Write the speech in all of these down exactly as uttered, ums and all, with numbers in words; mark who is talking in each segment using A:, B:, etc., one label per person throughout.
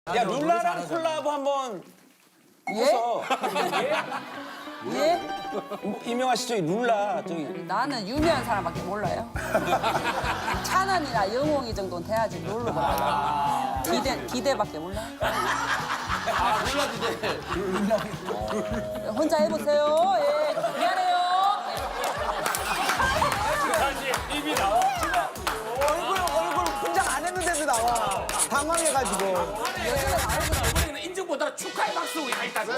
A: 야 룰라랑 콜라보 한번 해서
B: 예? 예?
A: 이명아 씨 저기 룰라 저기
B: 나는 유명한 사람밖에 몰라요. 찬원이나 영웅이 정도는 돼야지 모르고. 기대, 기대밖에 몰라.
C: 아, 룰라 기대.
B: 혼자 해보세요. 예, 미안해요.
A: 입이 나와.
D: 얼굴 얼굴 분장 안 했는데도 나와. 당황해가지고.
C: 이번에는 인증 보다 축하의 박수 가 있다고.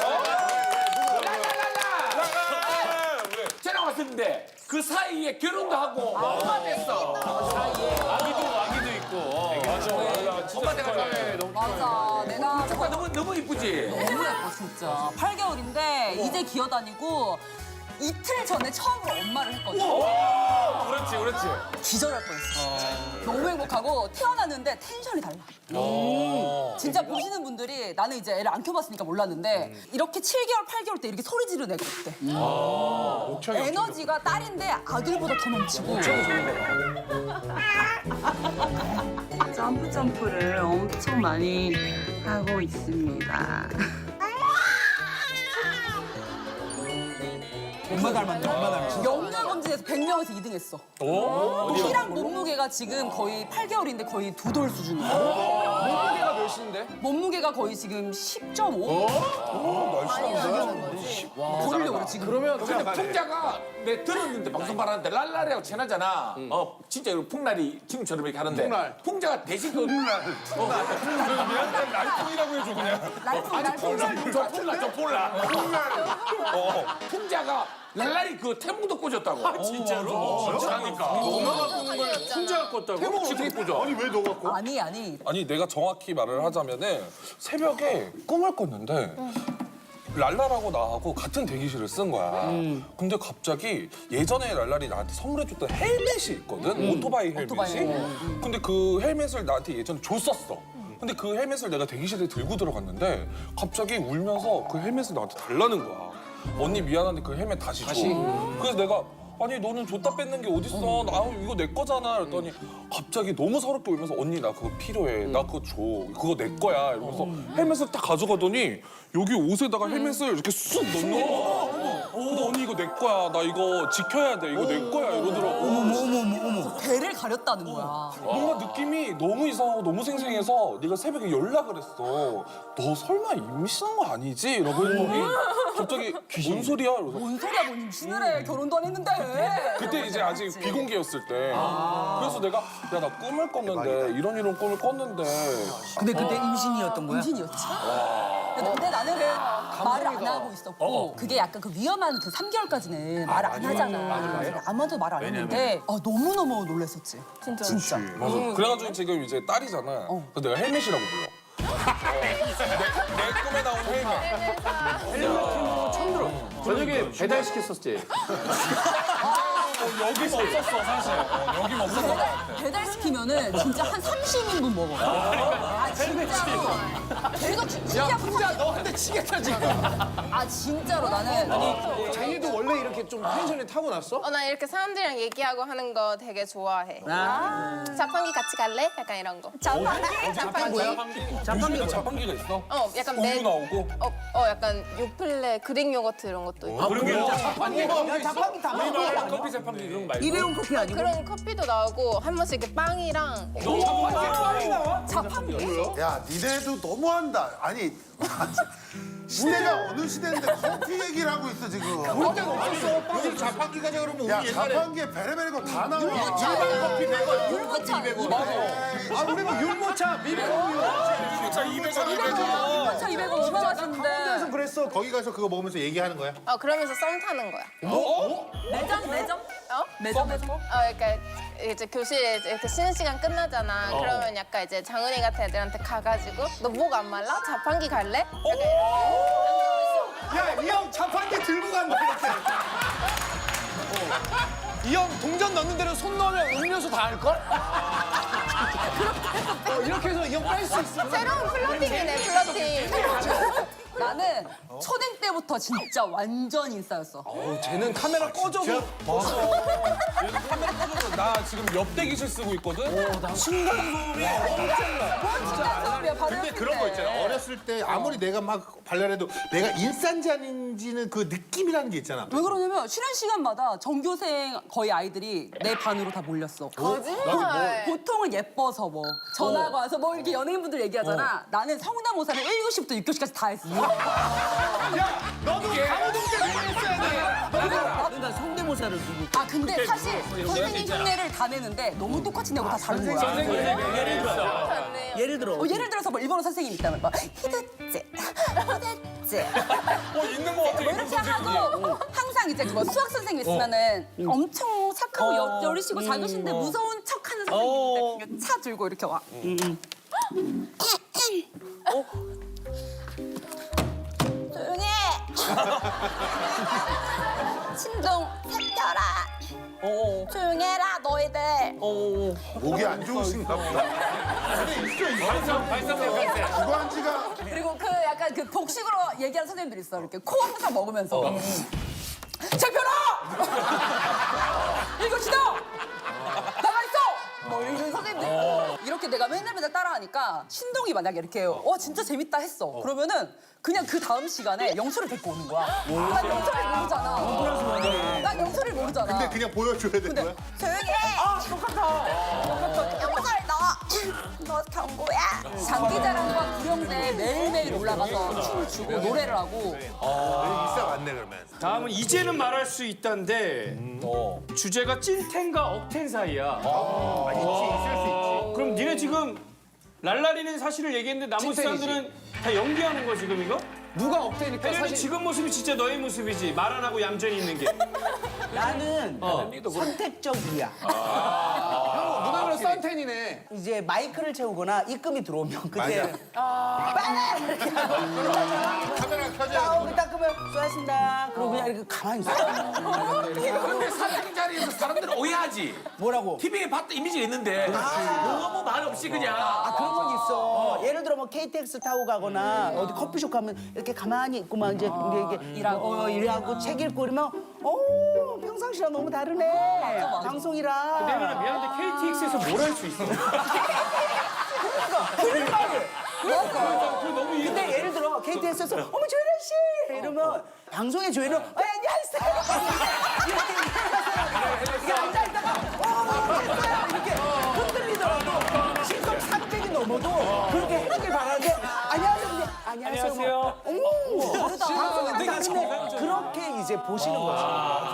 C: 쟤랑 왔었는데 그 사이에 결혼도 하고 엄마 됐어.
E: 아기도 아기도 있고. 맞아.
C: 엄마 돼가지고.
B: 맞아. 내가
C: 축하 너무 너무 이쁘지.
B: 너무 예뻐, 진짜. 팔 개월인데 이제 기어다니고 이틀 전에 처음으로 엄마를 했거든.
E: 그렇지, 그렇지.
B: 기절할 뻔했어. 진짜. 너무 행복하고 태어났는데 텐션이 달라. 진짜 보시는 분들이 나는 이제 애를 안 키워봤으니까 몰랐는데 이렇게 칠 개월, 팔 개월 때 이렇게 소리 지르는 애가 있대. 에너지가 딸인데 아들보다 더 넘치고.
F: 점프 점프를 엄청 많이 하고 있습니다.
D: 엄마 닮았네. 엄마 닮았어.
B: 영양 검진에서 백 명에서 이 등 했어. 키랑 몸무게가 지금 거의 팔 개월인데 거의 두 돌 수준이야.
E: 몸무게가 몇인데?
B: 몸무게가 거의 지금 십 점 오? 버리려고 그래, 지금.
C: 그러면 근데 풍자가 내 들었는데 방송 말하는데 랄랄이하고 친하잖아. 어 진짜 이거 풍날이 지금처럼 이렇게 하는데.
E: 풍날.
C: 풍자가 대신 그
E: 미안해, 날풍이라고 해줘 그냥.
B: 날풍,
C: 아니
B: 날풍.
C: 풍날 저 풍날 저 풍날. 어 풍자가 랄랄이 그 태몽도 꽂았다고.
E: 진짜로? 진짜니까. 엄마가 꽂는 걸 혼자 꽂다고?
C: 태몽을 어떻게 꽂아?
E: 아니 왜 너가 꽂?
B: 아니, 아니.
G: 아니 내가 정확히 말을 하자면은 새벽에 꿈을 꿨는데 랄라라고 나하고 같은 대기실을 쓴 거야. 근데 갑자기 예전에 랄랄이 나한테 선물해줬던 헬멧이 있거든. 오토바이 헬멧이.
B: 오토바이.
G: 근데 그 헬멧을 나한테 예전에 줬었어. 근데 그 헬멧을 내가 대기실에 들고 들어갔는데 갑자기 울면서 그 헬멧을 나한테 달라는 거야. 언니 미안한데 그 헬멧 다시 줘. 그래서 내가 아니 너는 줬다 뺏는 게 어딨어? 나 이거 내 거잖아. 그랬더니 갑자기 너무 서럽게 울면서 언니 나 그거 필요해. 나 그거 줘. 그거 내 거야. 이러면서 헬멧을 딱 가져가더니 여기 옷에다가 헬멧을 이렇게 쑥 넣는 거야. 근데 언니 이거 내 거야. 나 이거 지켜야 돼. 이거 내 거야. 이러더라고.
B: 배를 가렸다는 거야.
G: 뭔가 느낌이 너무 이상하고 너무 생생해서 네가 새벽에 연락을 했어. 너 설마 임신한 거 아니지? 라고 했더니 갑자기 뭔 소리야? 이러면서
B: 뭔 소리야, 뭐 임신을 해. 결혼도 안 했는데.
G: 그때 이제 아직 비공개였을 때. 그래서 내가 야 나 꿈을 꿨는데 이런 이런 꿈을 꿨는데
D: 근데 그때 임신이었던 거야?
B: 임신이었지. 근데, 근데 나는 말을 안 하고 있었고 그게 약간 그 위험한 그 삼 개월까지는 말을 안 하잖아. 아무한테도 말 안 했는데 아, 너무너무 놀랐었지. 진짜. 진짜.
G: 맞아. 그래가지고 지금 이제 딸이잖아. 그래서 내가 헬멧이라고 불러. 어. 내, 내 꿈에 나온 헬멧.
E: 저녁에 배달 시켰었지.
G: 여기 없었어 사실. 어, 여기 없었어.
B: 배달시키면은 진짜 한 삼십 인분 먹어. 아, 진짜로. 계속 진짜
E: 풍자 너한테 치겠다 지금.
B: 아, 진짜로 나는.
E: 자기도 원래 이렇게 좀 텐션이 타고났어?
H: 어, 나 이렇게 사람들이랑 얘기하고 하는 거 되게 좋아해. 자판기 같이 갈래? 약간 이런 거. 자판기? 자판기.
G: 요즘에도 자판기가 있어?
H: 어, 약간
G: 우유
H: 매...
G: 나오고.
H: 어, 어, 약간 요플레, 그릭 요거트 이런 것도 있고.
E: 그러면 자판기
D: 자판기 다
E: 우리
D: 먹어.
E: 말 커피 자판기 그런 거 말고.
D: 일회용 커피 아니고?
H: 그런 커피도 나오고 한 번씩 이렇게 빵이랑
B: 자판기?
I: 야, 니네도 너무한다. 아니, 시대가 어느 시대인데 커피 얘기를 하고 있어, 지금.
E: 요즘 자판기 가자 그러면
I: 야, 자판기에 베레베레 거 다 나와.
E: 커피 백 원,
B: 율무차.
E: 이백 원. 아, 우리 뭐 율무차, 미백원.
G: 율무차 이백 원, 이백 원.
B: 율무차 이백 원 얼마 맛있는데.
E: 그랬어.
I: 거기 가서 그거 먹으면서 얘기하는 거야?
H: 어, 그러면서 썸 타는 거야.
B: 매점, 매점?
H: 어?
B: 매점에서?
H: 어, 그러니까 이제 교실에 이렇게 쉬는 시간 끝나잖아. 그러면 약간 이제 장은이 같은 애들한테 가가지고 너 목 안 말라? 자판기 갈래? 약간
E: 야, 이 형 자판기 들고 간다 이렇게. 이 형 동전 넣는 데는 손 넣으면 음료수 다 할걸? 어, 이렇게 해서 이 형 뺄 수 있어.
H: 새로운 플러팅이네, 플러팅.
B: 나는 나는 초딩 때부터 진짜 완전 인싸였어.
D: 어, 쟤는 카메라 꺼져도
G: 카메라 꺼져서 나 지금 옆 대기실 쓰고 있거든. 층간소음이 엄청나.
B: 뭔 진짜 처음이야, 바로
I: 근데
B: 옆인데.
I: 그런 거 있잖아. 어렸을 때 아무리 내가 막 발랄해도 내가 인싸인지 아닌지는 그 느낌이라는 게 있잖아.
B: 왜 그러냐면 쉬는 시간마다 전교생 거의 아이들이 내 반으로 다 몰렸어.
H: 거짓말.
B: 보통은 예뻐서 뭐 전화가 와서 뭐 이렇게 연예인분들 얘기하잖아. 나는 성대모사를 일 교시부터 육 교시까지 다 했어.
E: 너도 강호동 때 했어야 돼.
D: 그러니까 성대모사를 누구
B: 아 근데 사실 선생님 흉내를 다 내는데 너무 똑같이 내고 다 다른 거야.
H: 좋네요.
D: 예를 들어
B: 어, 예를 들어서 뭐 일본어 선생님 있다면 막 히드째, 호데째
G: 어 있는 거 같아.
B: 뭐 이렇게 하고 항상 이제 그뭐 수학 선생님 있으면은 엄청 착하고 여, 여리시고 작으신데 무서운 척하는 선생님인데 차 들고 이렇게 와. 조용히 해. 신동 새겨라. 조용히 해라 너희들.
I: 목이 안 좋으신가 보다. 근데 있어 있어.
C: 발성 발성 발성.
I: 주관지가
B: 그리고 그 약간 그 복식으로 얘기하는 선생님들 있어. 이렇게 코 항상 먹으면서. 장편아! 이거 시다! 나가 있어! 뭐 이런 선생님들 있고. 이렇게 내가 맨날 맨날 따라하니까 신동이 만약에 이렇게 어 진짜 재밌다 했어. 그러면은 그냥 그 다음 시간에 영수를 데리고 오는 거야. 난 영수를 모르잖아. 난 영수를 모르잖아.
I: 근데 그냥 보여줘야 되는 거야?
B: 조용히 해! 아, 똑같아. 영설 너! 너 경고야. 장기자랑과 구령대에 매일매일 올라가서 춤을 추고 노래를 하고.
I: 인싸 맞네 그러면.
E: 다음은 이제는 말할 수 있다인데 주제가 찐텐과 억텐 사이야.
I: 아, 있지 있을 수 있지.
E: 그럼 니네 지금 랄라리는 사실을 얘기했는데 나머지
D: 찐텐이지.
E: 사람들은 다 연기하는 거 지금 이거?
D: 누가 억대니까
E: 혜련이
D: 사실
E: 지금 모습이 진짜 너의 모습이지. 말 안 하고 얌전히 있는 게.
J: 나는 선택적이야.
D: 누나는 썬텐이네.
J: 이제 마이크를 채우거나 입금이 들어오면 그때 빨리 이렇게 하고
I: 카메라 켜져.
J: 나오고 딱 끄면 수고하셨습니다. 그러고 그냥 이렇게 가만히 있어.
C: 근데 사장님 자리에서 사람들은 오해하지.
J: 뭐라고?
C: 티비에 봤던 이미지가 있는데 너무 말 없이 그냥.
J: 아 그런 건 있어. 예를 들어 뭐 케이티엑스 타고 가거나 어디 커피숍 가면 이렇게 가만히 있고 막 이제 이게, 이게 일하고 어, 일하고 책 읽고 이러면 어 평상시랑 너무 다르네. 방송이랑.
E: 혜련아 미안한데 케이티엑스에서 뭘 할 수 있어?
J: 그런 말을.
E: 그거 너무 이해.
J: 근데 예를 들어 케이티엑스에서 어머 조혜련 씨 이러면 방송의 조혜련 어 안녕하세요 이렇게 이렇게 앉아 있다가 어 됐어요 이렇게 흔들리더라도 시속 삼백이 넘어도 그렇게 해주길 바라는데 안녕하세요 근데 안녕하세요
E: 안녕하세요.
J: 어머 방송이랑 다른데 그렇게 이제 보시는 거지.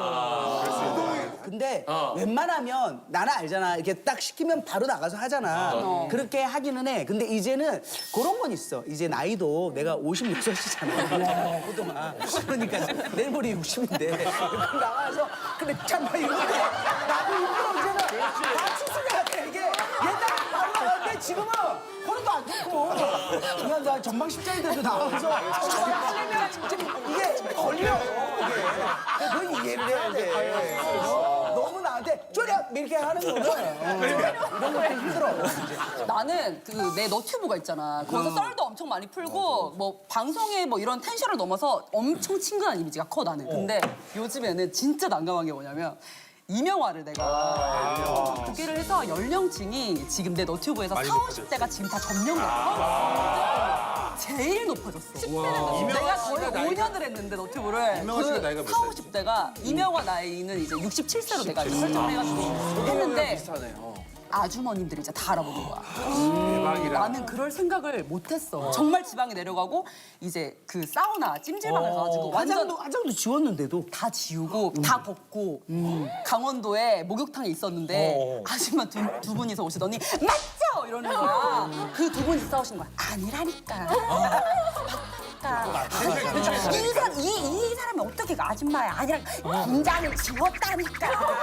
J: 근데 웬만하면 나는 알잖아. 이렇게 딱 시키면 바로 나가서 하잖아. 그렇게 하기는 해. 근데 이제는 그런 건 있어. 이제 나이도 내가 오십육이잖아. 그동안. 그러니까 내일 모레 육십인데 나가서 근데 참나 이거 나도 힘들어 이제는 다 치수가 같아 이게 옛날에 바로 나갔는데 지금은 허리도 안 좋고 그냥 나 전방 십자인데도 나와서 하려면 진짜 이게 걸려 이게 너 이해를 해야 돼. 너무 나한테 쪼려 이렇게 하는 거는 이런 것도 힘들어.
B: 나는 그 내 너튜브가 있잖아. 거기서 썰도 엄청 많이 풀고 뭐 방송에 뭐 이런 텐션을 넘어서 엄청 친근한 이미지가 커 나는. 근데 요즘에는 진짜 난감한 게 뭐냐면 이명화를 내가 보기를 해서 연령층이 지금 내 너튜브에서 사오십 대가 지금 다 점령됐어. 제일 높아졌어. 내가 거의 오 년을 했는데 너튜브를
I: 이명화 씨가 나이가 몇 살이지?
B: 사오십 대가 이명화 나이는 이제 육십칠 세로 내가 설정을 해가지고 했는데 아주머님들이 이제 다 알아보는 거야. 나는 그럴 생각을 못했어. 정말 지방에 내려가고 이제 그 사우나 찜질방을 가가지고 완전
J: 화장도 화장도 지웠는데도
B: 다 지우고 다 벗고 강원도에 목욕탕에 있었는데 아줌마 두, 두 분이서 오시더니 맞죠? 이러는 거야. 그 두 분이 싸우시는 거야. 아니라니까. 맞다니까. 이, 사, 이, 이 사람이 어떻게 그 아줌마야. 아니라 공장을 지웠다니까.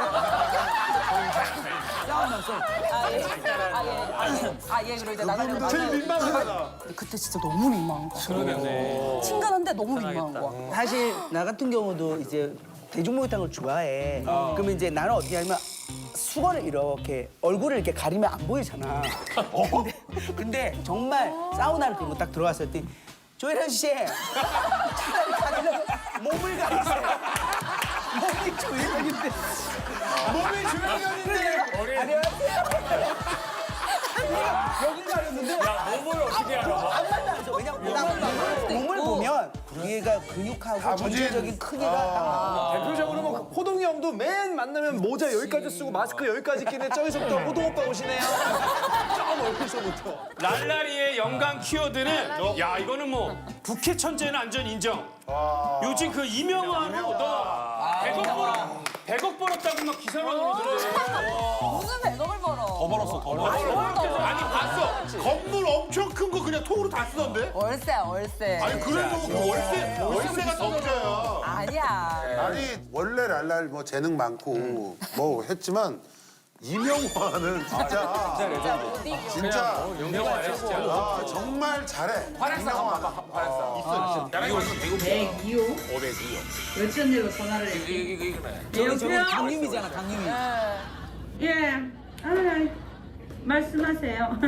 J: 싸우면서
B: 아예 아예 아예 아예 그리고 이제 나는 제일 민망하다. 그때 진짜 너무 민망한 거야. 그러겠네. 친근한데 너무 민망한 거야.
J: 사실 나 같은 경우도 이제 대중목욕탕을 좋아해. 그러면 이제 나는 어떻게 하냐면 수건을 이렇게 얼굴을 이렇게 가리면 안 보이잖아. 근데, 근데 정말 사우나를 들고 딱 들어갔을 때 조혜련 씨 차라리 가려면 몸을 가리세요. 몸이 조혜련인데. 몸이 조혜련인데. 안녕하세요. 여기 가렸는데.
E: 야, 몸을 어떻게 알아?
J: 안 만나죠. 왜냐면 딱 몸을 보면 얘가 근육하고 전체적인 크기가 딱
D: 대표적으로 뭐 호동이 형도 맨 만나면 모자 여기까지 쓰고 마스크 여기까지 끼는 저기서부터 호동 오빠 오시네요. 저 멀리서부터.
E: 랄라리의 연관 키워드는 야 이거는 뭐 부캐 천재는 완전 인정. 요즘 그 이명화로 너 백억 벌어 백억 벌었다고 막 기사만으로 들어.
B: 무슨 백억을 벌어?
G: 더 벌었어, 더 벌었어.
C: 아니 봤어. 건물 엄청 큰 거 그냥 통으로 다 쓰던데?
B: 월세 월세.
I: 아니 그래도 그 월세 월세가 더 문제야.
B: 아니야.
I: 아니 원래 랄랄 뭐 재능 많고 뭐 했지만 이명화는 진짜
B: 진짜 못 이겨.
I: 진짜
C: 유명하네 진짜.
I: 아, 정말 잘해.
C: 활약상 한번 봐봐. 활약상. 있어. 나랑 이거 대구
F: 백이호
C: 오백이요.
F: 어쩐 일로 전화를 했지?
C: 이거 이거 이거네.
J: 저기 저기
F: 여보세요?
J: 강림이잖아, 강림이.
F: 예. 아, 말씀하세요.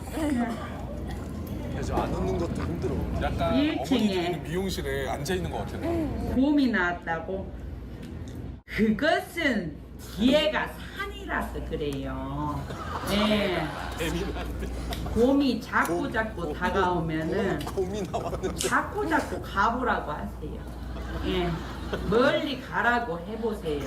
D: 안 웃는 것도 힘들어.
G: 약간
F: 일 층에.
G: 어머니들이 미용실에 앉아 있는 것 같아.
F: 곰이 나왔다고? 그것은 뒤에가 산이라서 그래요. 네. 곰이 자꾸 자꾸 다가오면은
D: 곰이 나왔는데.
F: 자꾸 자꾸 가보라고 하세요. 예. 멀리 가라고 해보세요.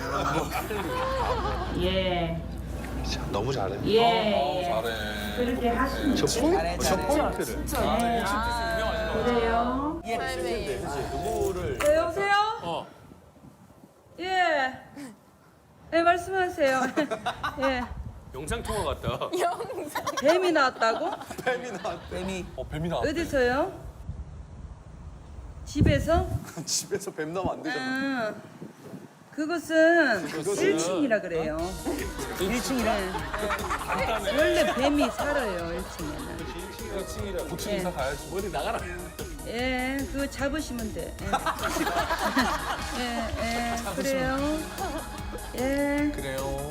F: 예.
D: 너무 잘해.
F: 예. 예.
G: 잘해.
F: 그렇게 하시면 돼요.
J: 잘해, 잘해.
D: 포인트를.
F: 네. 그래요.
H: 삶의
F: 네, 여보세요? 어. 예. 네, 말씀하세요. 예.
E: 영상 통화 같다.
F: 뱀이 나왔다고?
J: 뱀이.
G: 어, 뱀이 나왔대.
F: 어디서요? 집에서?
D: 집에서 뱀 나면 안 되잖아.
F: 아, 그것은 일 층이라 그래요.
J: 일 층이라.
F: 원래 뱀이 살아요, 일 층에는.
G: 고층 이사 가야지. 머리 나가라.
F: 예, 그거 잡으시면 돼. 예, 예, 예 그래요. 예.
G: 그래요.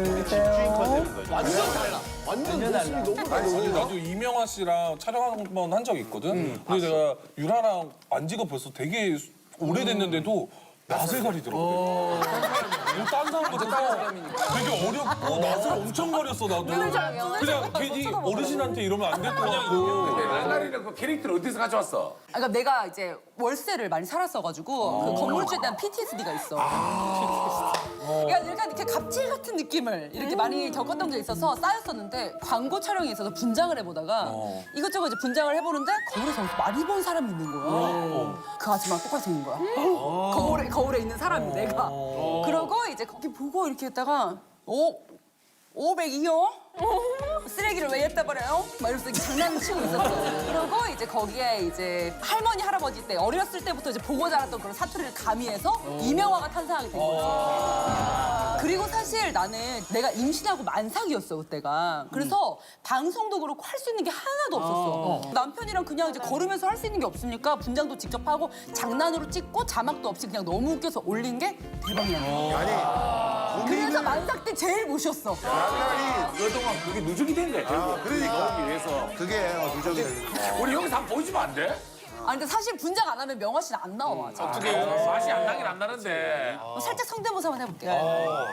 D: 완전 달라. 완전 모습이 너무 달라.
G: 아니, 나도 이명화 씨랑 촬영 한 번 한 적이 있거든. 근데 내가 유라랑 안 지가 벌써 되게 오래됐는데도 낯을 가리더라고. 딴 사람보다 되게 어렵고 낯을 엄청 가렸어 나도. 그냥 괜히 어르신한테 이러면 안 될 것 같고.
C: 랄랄이는 그 캐릭터를 어디서 가져왔어?
B: 그러니까 내가 이제 월세를 많이 살았어가지고 그 건물주에 대한 피티에스디가 있어. 그러니까 약간 이렇게 갑질 같은 느낌을 이렇게 많이 겪었던 게 있어서 쌓였었는데 광고 촬영에 있어서 분장을 해보다가 이것저것 이제 분장을 해보는데 거울에서 많이 본 사람이 있는 거야. 그 아줌마랑 똑같이 생긴 거야. 거울에 거울에 있는 사람이 내가. 그러고 이제 거기 보고 이렇게 했다가 오 오백이요? 쓰레기를 왜 옅다 버려요? 막 이러면서 이렇게 장난을 치고 있었죠. 그러고 이제 거기에 이제 할머니, 할아버지 때 어렸을 때부터 이제 보고 자랐던 그런 사투리를 가미해서 이명화가 탄생하게 된 거지. 그리고 사실 나는 내가 임신하고 만삭이었어, 그때가. 그래서 방송도 그렇고 할 수 있는 게 하나도 없었어. 남편이랑 그냥 이제 걸으면서 할 수 있는 게 없으니까 분장도 직접 하고 장난으로 찍고 자막도 없이 그냥 너무 웃겨서 올린 게 대박이 난 거야. 그래서 만삭 때 제일 모셨어.
I: 랄랄이
C: 그동안 그게 누적이 된 거야. 결국.
I: 그러니까.
C: 나오기 위해서.
I: 그게 어, 누적이 되는
C: 우리 여기서 한번 보여주면 안 돼?
B: 아니 근데 사실 분장 안 하면 명화 씨는 안 나와. 자,
C: 어떻게 맛이 안 나긴 안 나는데.
B: 어, 살짝 성대모사 한번 해볼게.
I: 어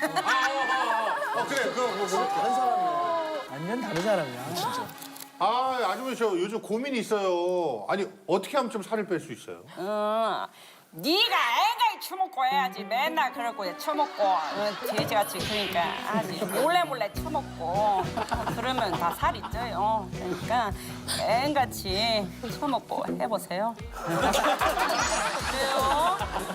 I: 그래 그거 그거
J: 완전 다른 사람이야, 진짜.
I: 아 아주머니 저 요즘 고민이 있어요. 아니 어떻게 하면 좀 살을 뺄 수 있어요?
K: 어, 네가 애가이 처먹고 해야지. 맨날 그러고 처먹고 어, 돼지같이 그러니까 아주 몰래 몰래 처먹고 어, 그러면 다 살이 쪄요. 그러니까 애같이 처먹고 해보세요. 그래요?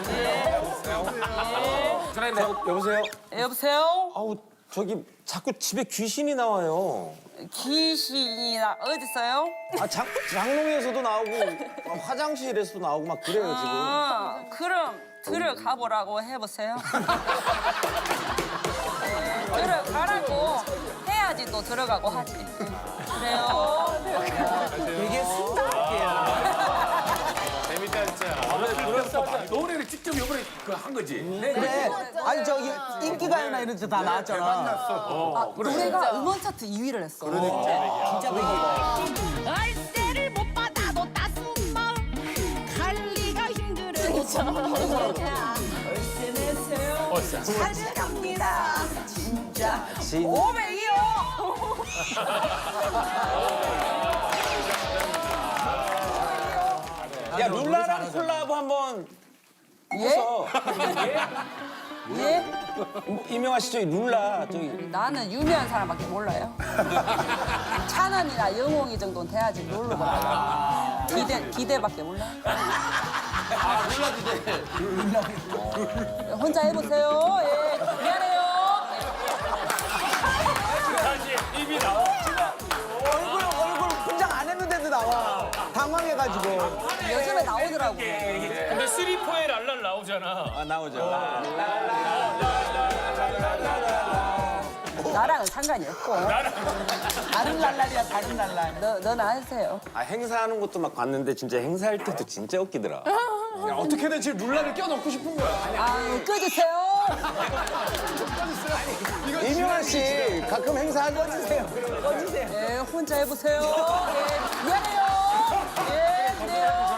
K: 예. 예.
D: 여보세요?
K: 여보세요?
D: 아우 저기 자꾸 집에 귀신이 나와요.
K: 귀신이 나 어딨어요?
D: 아 장, 장롱에서도 나오고 화장실에서도 나오고 막 그래요 지금.
K: 어, 그럼 들어가 보라고 해보세요. 들어가라고 해야지 또 들어가고 하지. 그래요.
J: 되게 순탄하게요.
C: 재밌다 진짜. 노래를 직접 이번에 그 한 거지.
J: 그래. 아니 저기 인기가요나 이런 데 다 나왔잖아.
B: 아, 노래가 음원 차트 이 위를 했어.
J: 진짜 백이가.
K: 월세를 못 받아도 따스운 마음
B: 사랑합니다. 진짜 오백이요.
A: 야 룰라랑 콜라보 한번 해서
B: 예?
A: 이명아 씨 저기 룰라 저기
B: 나는 유명한 사람밖에 몰라요. 찬원이나 영웅이 정도는 돼야지 놀러 가라. 기대 기대밖에 몰라.
C: 아 룰라 기대.
B: 혼자 해보세요. 예, 미안해요.
E: 다시 입이 나와.
J: 얼굴 얼굴 분장 안 했는데도 나와. 당황해가지고.
B: 요즘에 나오더라고.
E: 근데 쓰리포에 랄랄 나오잖아.
A: 아 나오죠.
B: 나랑은 상관이 없고.
J: 다른 랄랄이야 다른 랄랄.
B: 너 너나 하세요.
A: 아 행사하는 것도 막 봤는데 진짜 행사할 때도 진짜 웃기더라.
D: 야, 어떻게든 지금 룰라를 껴넣고 싶은 거야.
B: 아, 꺼주세요.
J: 이명환 씨 가끔 행사하고 꺼주세요. 꺼주세요.
B: 예, 혼자 해보세요. 예, 미안해요. 예, 그래요.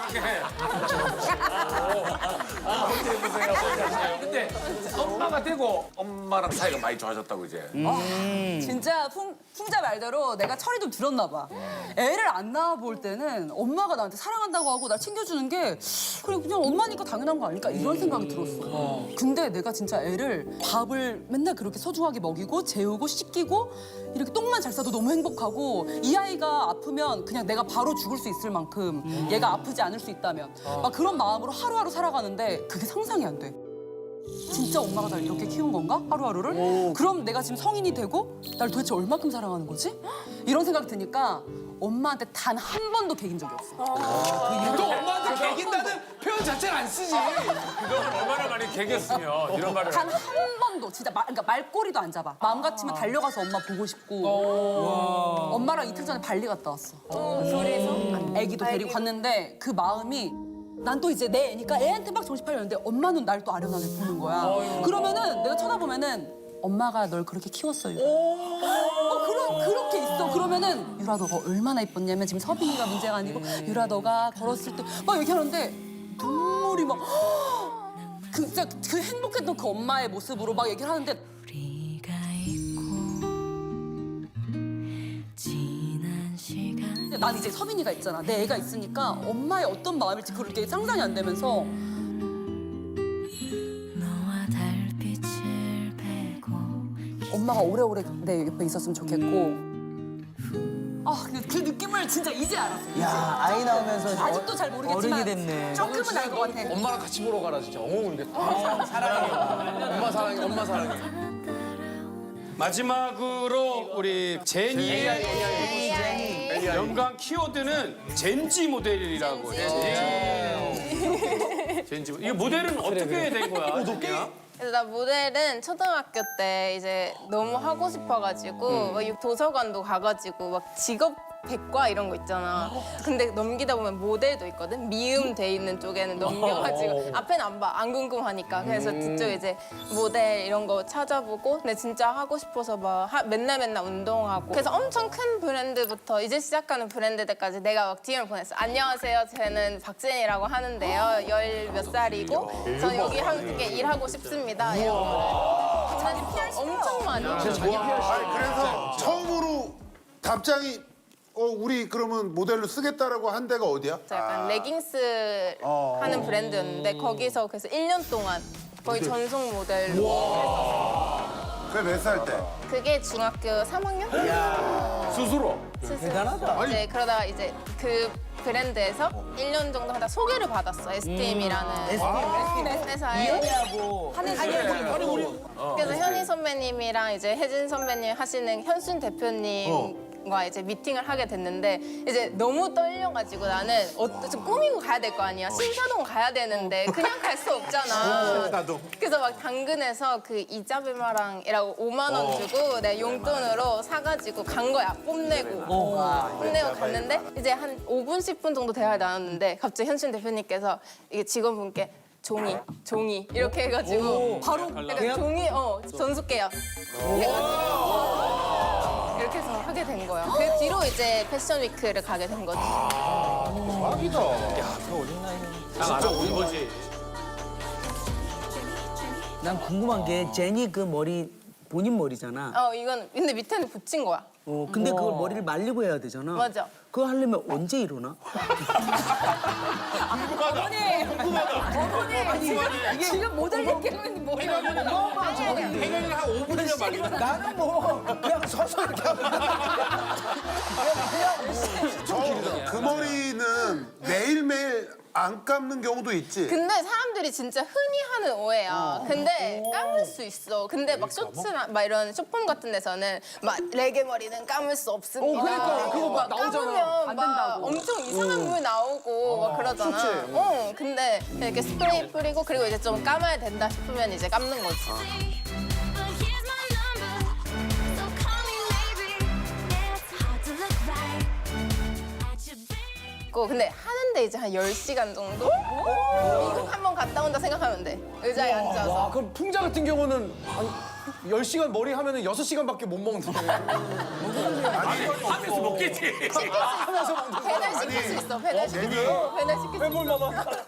C: 근데 엄마가 되고 엄마랑 사이가 많이 좋아졌다고 이제.
B: 진짜 풍, 풍자 말대로 내가 철이 좀 들었나 봐. 애를 안 낳아 볼 때는 엄마가 나한테 사랑한다고 하고 날 챙겨주는 게 그래 그냥 엄마니까 당연한 거 아닐까 이런 생각이 들었어. 근데 내가 진짜 애를 밥을 맨날 그렇게 소중하게 먹이고 재우고 씻기고 이렇게 똥만 잘 싸도 너무 행복하고 이 아이가 아프면 그냥 내가 바로 죽을 수 있을 만큼 얘가 아프지 않을 수 있다면 막 그런 마음으로 하루하루 살아가는데 그게 상상이 안 돼. 진짜 엄마가 날 이렇게 키운 건가? 하루하루를? 그럼 내가 지금 성인이 되고 날 도대체 얼마큼 사랑하는 거지? 이런 생각이 드니까 엄마한테 단 한 번도 개긴 적이 없어.
D: 또 엄마한테 개긴다는 표현 자체를 안 쓰지.
C: 그동안 얼마나 많이 개겼으면 이런 말을.
B: 단 한 번도 진짜 말, 그러니까 말꼬리도 안 잡아. 마음 같으면 달려가서 엄마 보고 싶고. 엄마랑 이틀 전에 발리 갔다 왔어.
H: 둘이서?
B: 애기도 데리고 갔는데 그 마음이 난 또 이제 내 애니까 애한테 막 정신팔렸는데 엄마는 날 또 아련하게 보는 거야. 그러면은 내가 쳐다보면은 엄마가 널 그렇게 키웠어, 유라. 어, 그럼 그렇게 있어. 그러면은 유라 너가 얼마나 이뻤냐면 지금 서빈이가 문제가 아니고 유라 너가 걸었을 때 막 얘기하는데 눈물이 막 그, 진짜 그 행복했던 그 엄마의 모습으로 막 얘기를 하는데
L: 우리가 있고 지난 시간
B: 난 이제 서빈이가 있잖아. 내 애가 있으니까 엄마의 어떤 마음일지 그렇게 상상이 안 되면서
L: 너와 달빛을 베고
B: 엄마가 오래오래 내 옆에 있었으면 좋겠고 아, 그, 그 느낌을 진짜 이제 알았어. 이제.
J: 야 아이 나오면서
B: 아직도 잘 모르겠지만
J: 어른이 됐네.
B: 조금은 알 것 같아.
D: 엄마랑 같이 보러 가라 진짜. 엉엉 울겠다. 사랑해. 엄마 사랑해. 엄마 사랑해.
E: 마지막으로 우리 제니의 연관 키워드는 젠지 모델이라고 해요. 젠지 모델. 이 모델은 어떻게 된 거야? 제니야?
H: 그래서 나 모델은 초등학교 때 이제 너무 하고 싶어가지고 막 도서관도 가가지고 막 직업 백과 이런 거 있잖아. 근데 넘기다 보면 모델도 있거든. 미음 돼 있는 쪽에는 넘겨가지고 앞에는 안 봐. 안 궁금하니까. 그래서 뒤쪽 이제 모델 이런 거 찾아보고 근데 진짜 하고 싶어서 막 하- 맨날 맨날 운동하고 그래서 엄청 큰 브랜드부터 이제 시작하는 브랜드들까지 내가 막 디엠을 보냈어. 안녕하세요. 저는 박진이라고 하는데요. 열 몇 살이고 전 여기 함께 일하고 싶습니다. 이런 거를. 자기 피알 엄청 많이.
I: 아니 그래서 처음으로 답장이 어 우리 그러면 모델로 쓰겠다라고 한 데가 어디야?
H: 약간 레깅스 하는 브랜드였는데 거기서 그래서 일 년 동안 거의 전속 모델로
I: 그게 몇 살 때?
H: 그게 중학교 삼 학년?
C: 스스로.
H: 대단하다. 이제 그러다가 이제 그 브랜드에서 일 년 정도 하다 소개를 받았어. 에스티엠이라는 회사에.
J: 이현이하고
B: 한혜진
H: 그래서 현희 선배님이랑 이제 혜진 선배님 하시는 현순 대표님 과 이제 미팅을 하게 됐는데 이제 너무 떨려가지고 나는 어, 좀 꾸미고 가야 될 거 아니야. 신사동 가야 되는데 그냥 갈 수 없잖아. 그래서 막 당근에서 그 이자벨마랑이라고 오만 원 주고 내 용돈으로 사가지고 간 거야. 뽐내고. 뽐내고 갔는데 이제 한 오 분, 십 분 정도 대화를 나눴는데 갑자기 현순 대표님께서 이게 직원분께 종이, 종이 이렇게 해가지고 바로 약간 종이, 어, 전수계약. 해가지고 이렇게 해서 하게 된 거야. 그 뒤로 이제 패션 위크를 가게 된 거지.
I: 대박이다.
C: 진짜 우리 거지.
J: 난 궁금한 게 제니 그 머리 본인 머리잖아.
H: 어 이건 근데 밑에는 붙인 거야.
J: 어, 근데 그걸 머리를 말리고 해야 되잖아.
H: 맞아.
J: 그거 하려면 언제 일어나?
B: 어머니, 어머니 지금 지금 모델 얘기하고 있는 뭐예요?
G: 해결을 한 오 분이면 말리는
J: 나는 뭐 그냥 서서 이렇게 하고.
I: 저 그 머리는 매일매일 안 감는 경우도 있지.
H: 근데 사람들이 진짜 흔히 하는 오해야. 근데 감을 수 있어. 근데 막 쇼츠나 막 이런 쇼폼 같은 데서는 막 레게 머리는 감을 수 없습니다.
D: 어, 그러니까 그거 막 나오잖아.
H: 감으면
B: 안
H: 막
B: 된다고.
H: 엄청 이상한 물 나오고 막 그러잖아.
D: 쇼츠에.
H: 어, 근데 이렇게 스프레이 뿌리고 그리고 이제 좀 감아야 된다 싶으면 이제 감는 거지. 근데 하는데 이제 한 열 시간 정도? 미국 한 번 갔다 온다 생각하면 돼. 의자에 앉아서.
D: 와, 그럼 풍자 같은 경우는 한 열 시간 머리 하면은 여섯 시간밖에 못 먹는데.
C: 하면서 먹겠지.
H: 배달 시킬 수 있어. 배달 시킬 수 있어. 배달 시킬 수 있어.